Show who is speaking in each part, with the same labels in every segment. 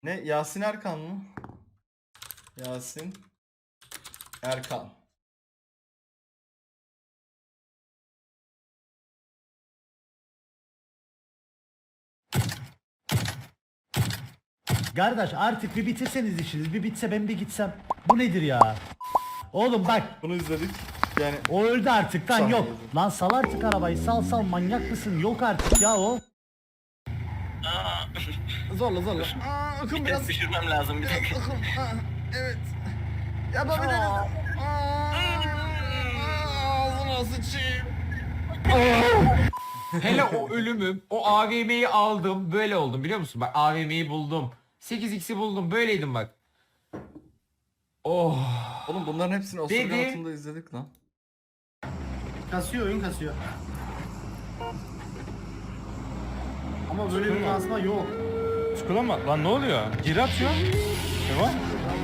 Speaker 1: Ne? Yasin Erkan mı? Yasin Erkan.
Speaker 2: Kardeş artık bir bitirseniz işiniz. Bir bitse ben bir gitsem. Bu nedir ya? Oğlum bak.
Speaker 1: Bunu izledik. Yani
Speaker 2: O öldü artık lan, yok.
Speaker 1: Sanmıyorum.
Speaker 2: Lan sal artık arabayı, sal manyak mısın? Yok artık ya o.
Speaker 1: zorla. Akım biraz
Speaker 3: Düşürmem lazım bir dakika.
Speaker 1: akım. Evet. Yapabiliriz. Ağzına sıçayım.
Speaker 4: Hele o ölümüm, o AVM'yi aldım, böyle oldum biliyor musun? Bak AVM'yi buldum. 8x'i buldum, böyleydim bak. Oh.
Speaker 1: Oğlum bunların hepsini osurgan
Speaker 4: Dedi.
Speaker 1: altında izledik lan.
Speaker 5: Kasıyor, oyun kasıyor. Ama böyle bir kasma yok.
Speaker 6: Çikolama lan ne oluyor? Geri atıyor. Ne var?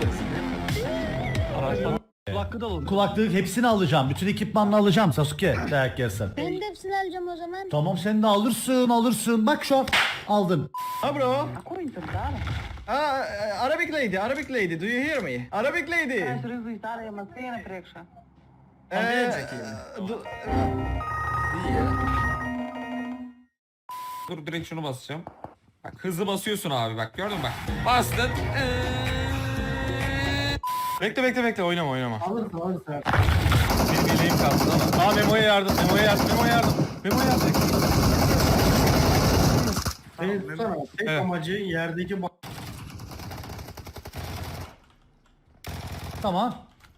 Speaker 5: Kulaklığı da olur.
Speaker 2: Kulaklık hepsini alacağım. Bütün ekipmanını alacağım Sasuke. Dayak yersen.
Speaker 7: Ben de hepsini alacağım o zaman.
Speaker 2: Tamam sen de alırsın. Bak şu an aldın.
Speaker 1: Ha bro. Arabic lady, do you hear me? Arabic lady. İyi ya.
Speaker 4: Dur direkt şunu basacağım. Bak hızlı basıyorsun abi bak gördün mü bak. Bastın.
Speaker 6: Bekle oynama.
Speaker 5: Alırsın.
Speaker 6: Benim yeleğim kalsın ama. Aa Memo'ya yardım. Memo'ya yardım.
Speaker 5: Beni tutsana. Tek
Speaker 6: Evet.
Speaker 5: amacı yerdeki
Speaker 2: Tamam.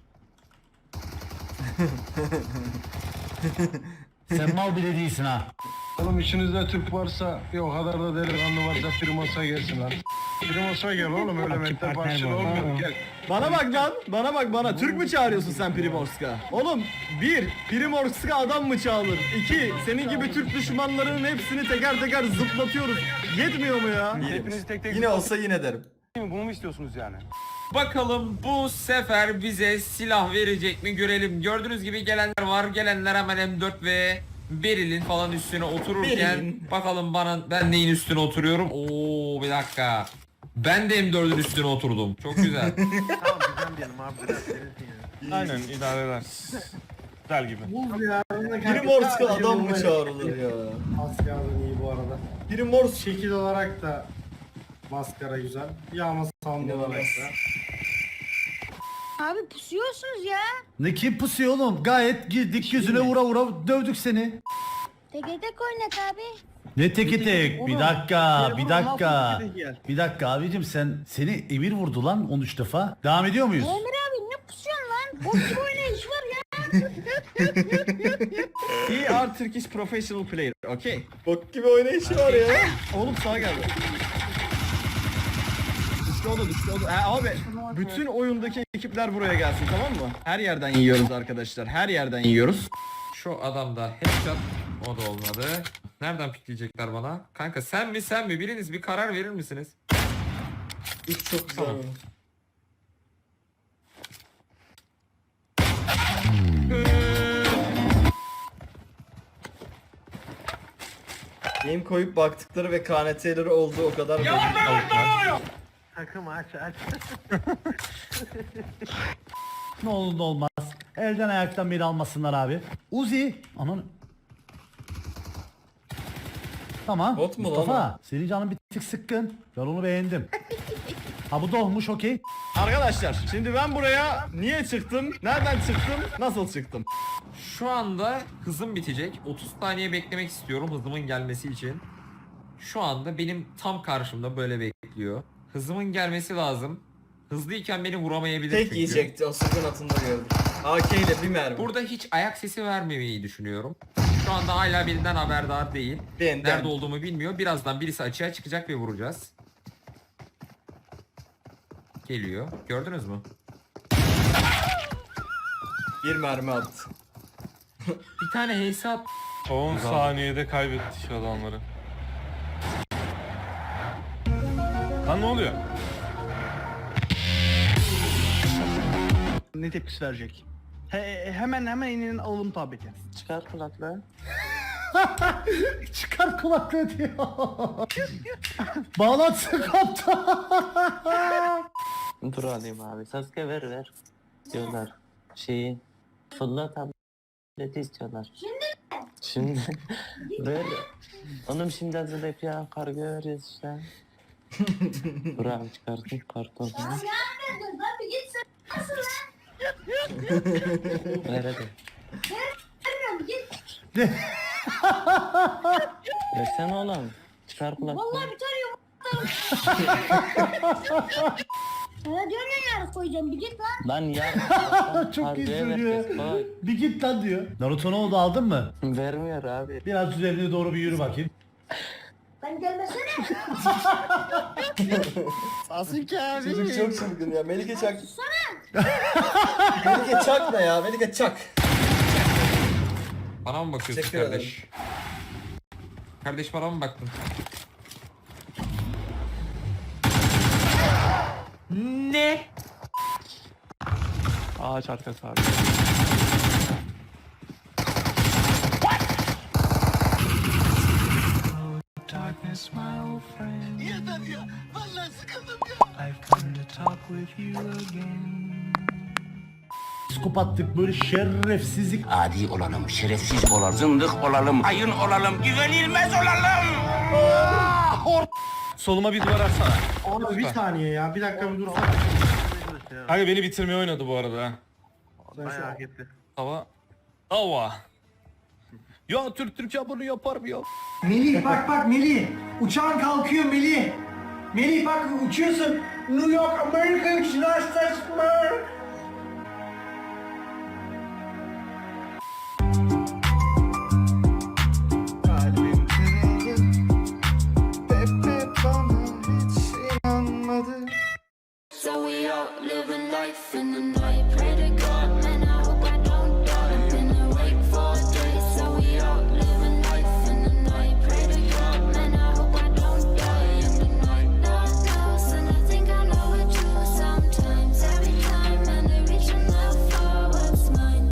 Speaker 2: Sen mal bile değilsin ha.
Speaker 8: Oğlum içinizde Türk varsa, o kadar da delikanlı varsa Primos'a gelsin lan. Primos'a gel oğlum, öyle mektep başlığı olmuyor, gel.
Speaker 1: Bana bak lan, bana. Türk mü çağırıyorsun sen Primorsk'a? Oğlum, bir, Primorsk'a adam mı çağırır? İki, senin gibi Türk düşmanlarının hepsini teker teker zıplatıyoruz. Yetmiyor mu ya?
Speaker 6: Hepinizi tek tek
Speaker 1: Yine olsa yine derim.
Speaker 6: bunu mu istiyorsunuz yani?
Speaker 4: Bakalım bu sefer bize silah verecek mi görelim. Gördüğünüz gibi gelenler var. Gelenler hemen M4 ve Beril'in falan üstüne otururken
Speaker 1: Beril'in.
Speaker 4: bakalım ben neyin üstüne oturuyorum. Oo bir dakika. Ben de M4'ün üstüne oturdum. Çok güzel.
Speaker 6: Aynen idare eder. Güzel gibi.
Speaker 5: buz ya.
Speaker 1: Primorsk'a adam mı çağrılır ya?
Speaker 5: Maskaradan iyi bu arada.
Speaker 1: Primorsk
Speaker 5: Şekil olarak da maskara güzel. Yağma sound olarak da.
Speaker 7: Abi pusuyorsunuz ya.
Speaker 2: Ne kim pusuyor oğlum? Gayet girdik yüzüne vura dövdük seni.
Speaker 7: Tek tek oynat abi.
Speaker 2: Ne teki tek? Bir dakika. Bir dakika abicim seni Emir vurdu lan 13 defa. Devam ediyor muyuz?
Speaker 7: Emir abi ne pusuyorsun lan? Bok gibi oynayış var ya.
Speaker 1: We are Turkish professional player, okay? Bok gibi oynayışı var ya. Oğlum sağa geldi. Düştü o da. Abi bütün oyundaki ekipler buraya gelsin, tamam mı? Her yerden yiyoruz arkadaşlar, her yerden yiyoruz.
Speaker 4: Şu adam da headshot. O da olmadı. Nereden pikleyecekler bana? Kanka sen mi? Biriniz bir karar verir misiniz?
Speaker 1: İlk çok güzel.
Speaker 4: Tamam.
Speaker 1: Game koyup baktıkları ve KNT'leri olduğu o kadar belli.
Speaker 2: Ne olur ne olmaz. Elden ayaktan beni almasınlar abi. Uzi. Anan. Tamam.
Speaker 1: Bot mu lan
Speaker 2: Mustafa. Senin canın bir tık sıkkın. Ben onu beğendim. Ha bu dolmuş okey.
Speaker 1: Arkadaşlar şimdi ben buraya niye çıktım? Nereden çıktım? Nasıl çıktım?
Speaker 4: Şu anda hızım bitecek. 30 saniye beklemek istiyorum hızımın gelmesi için. Şu anda benim tam karşımda böyle bekliyor. Hızımın gelmesi lazım. Hızlıyken beni vuramayabilir
Speaker 1: Tek
Speaker 4: çünkü.
Speaker 1: yiyecekti, o sıkın atında gördüm. AK ile bir mermi.
Speaker 4: Burada hiç ayak sesi vermemeyi düşünüyorum. Şu anda hala birinden haberdar değil.
Speaker 1: Benden.
Speaker 4: Nerede olduğumu bilmiyor. Birazdan birisi açığa çıkacak ve vuracağız. Geliyor. Gördünüz mü?
Speaker 1: Bir mermi attı.
Speaker 4: Bir tane hesap.
Speaker 6: 10 saniyede kaybettik adamları. Lan ne oluyor?
Speaker 5: Ne tepkisi verecek? Hemen inin alalım tableti.
Speaker 3: Çıkar kulaklığı.
Speaker 2: Çıkar kulaklığı diyor. Bağlantısı koptu.
Speaker 3: Dur alayım abi. Sasuke ver. Diyorlar. Şeyi fırla tableti istiyorlar. Şimdi ver. Oğlum şimdi hazırlayıp ya kargo veriyoruz işte. Dur abi çıkartın karton.
Speaker 7: Yapmadın lan bir git sen. Nasıl lan?
Speaker 3: Ver hadi.
Speaker 7: Vermiyorum git.
Speaker 3: Versene oğlum. Çıkar kulaklığı.
Speaker 7: Vallahi bir tane yumurta. Sana diyorum ya yarın koyacağım bir git lan.
Speaker 3: Lan ya.
Speaker 2: Çok iyi
Speaker 3: Kargoya
Speaker 2: söylüyor.
Speaker 3: vereceğiz, koy.
Speaker 2: Bir git lan diyor. Naruto ne oldu, aldın mı?
Speaker 3: Vermiyor abi.
Speaker 2: Biraz üzerine doğru bir yürü bakayım.
Speaker 7: Ben gelmesene.
Speaker 1: Çocuk çok çılgın ya. Melike çak. Melike çak ne ya? Melike çak.
Speaker 4: Bana mı bakıyorsun
Speaker 1: Teşekkür
Speaker 4: kardeş? Kardeş bana mı baktın? Ne?
Speaker 6: Ağaç arkası abi.
Speaker 2: Psikopatlık, böyle şerefsizlik.
Speaker 9: Adi olalım, şerefsiz olalım, zındık olalım, ayın olalım, güvenilmez olalım.
Speaker 6: Soluma bir duvar atsana.
Speaker 5: Abi bir saniye ya. Bir dakika bir dur.
Speaker 6: Kanka beni bitirmeye oynadı bu arada ha.
Speaker 5: Bayağı gitti.
Speaker 6: Hava. Ya Türkiye bunu yapar mı ya?
Speaker 10: Melih bak Melih. Uçağın kalkıyor Melih. Melih bak uçuyorsun. New York America United States of America.